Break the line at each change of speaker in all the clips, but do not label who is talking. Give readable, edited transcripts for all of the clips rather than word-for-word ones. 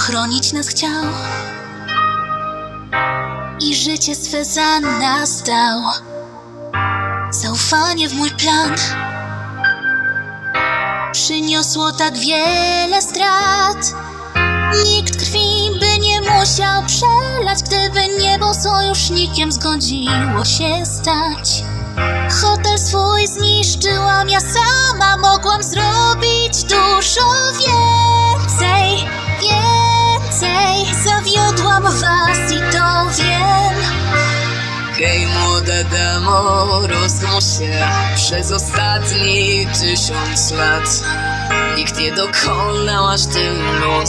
ochronić nas chciał i życie swe za nas dał. Zaufanie w mój plan przyniosło tak wiele strat. Nikt krwi by nie musiał przelać, gdyby niebo sojusznikiem zgodziło się stać. Hotel swój zniszczyłam ja sama, mogłam zrobić dużo więcej. Zawiodłam was i to wiem.
Hej młoda damo, rozkosz się przez ostatni 1000 lat. Nikt nie dokonał aż tylu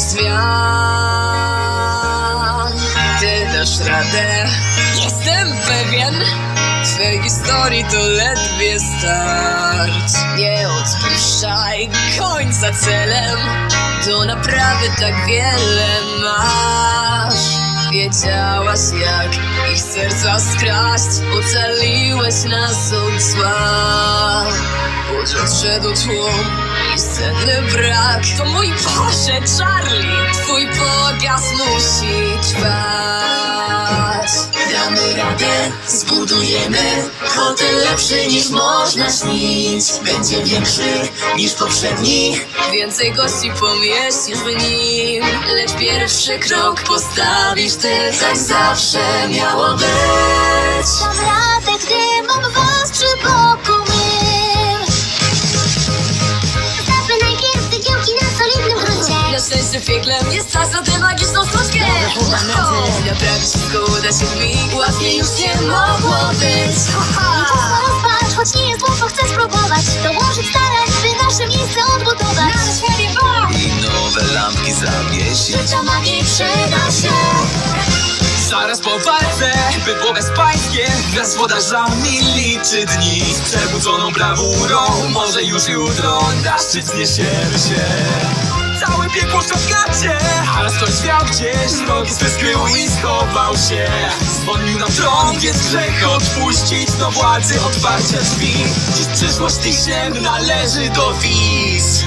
zmian. Ty dasz radę, jestem pewien. Twej historii to ledwie start. Nie odpuszczaj końca celem, do naprawy tak wiele masz. Wiedziałaś jak ich serca skraść, ocaliłeś nas od zła. Choć odszedł tłum i senny brak, to mój Boże Charlie, twój pokaz musi trwać. Damy radę, zbudujemy hotel lepszy niż można śnić. Będzie większy niż poprzedni, więcej gości pomieścisz w nim. Lecz pierwszy krok postawisz ty, tak zawsze miało być.
Dam radę, gdy mam was przy boku mym. Zostawmy najpierw cegiełki na solidnym gruncie.
Na szczęście w piekle jest czas na tę magiczną sztuczkę. Naprawić wszystko uda się w mig, łatwiej już nie mogło być.
I czas na rozpacz, choć nie jest łatwo, chcę spróbować dołożyć starań, by nasze miejsce odbudować.
I nowe lampki zawiesić.
Ta magii przyda się.
Zaraz po walce bydło bezpańskie wraz z włodarzami liczy dni. Z przebudzoną brawurą może już jutro na szczyt zniesiemy się. Całe piekło szafkacie, a raz ktoś miał gdzieś rogi swe skrył i schował się. Zwolnił nam tron, więc grzech odpuścić, do władzy otwarcia drzwi. Dziś przyszłość tych ziem należy do wiz.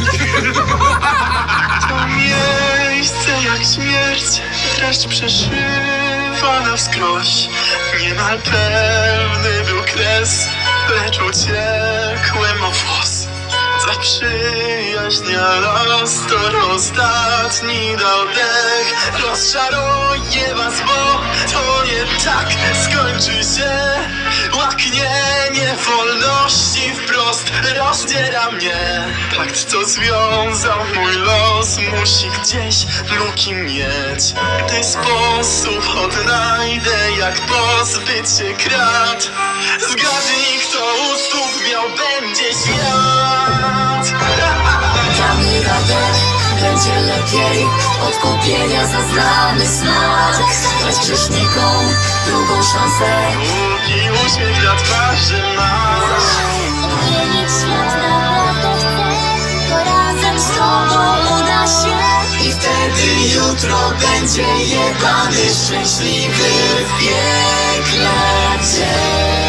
To miejsce jak śmierć, dreszcz przeszywa na wskroś. Niemal pełny był kres, lecz uciekłem o włos. Za przyjaźń las to ostatni dał dech. Rozczaruję was, bo to nie tak skończy się. Łaknienie wolności wprost rozdziera mnie. Pakt, co związał mój los, musi gdzieś luki mieć. Gdy sposób odnajdę, jak pozbyć się krat. Zgadnij, kto u stóp miał będzie świat.
Damy radę, będzie lepiej. Odkupienia za znany smak. Dać grzesznikom drugą szansę.
Długi uśmiech na twarzy masz.
Odmienić świat naprawdę chcę, to razem z tobą uda się.
I wtedy jutro będzie jebany, szczęśliwy w piekle dzień.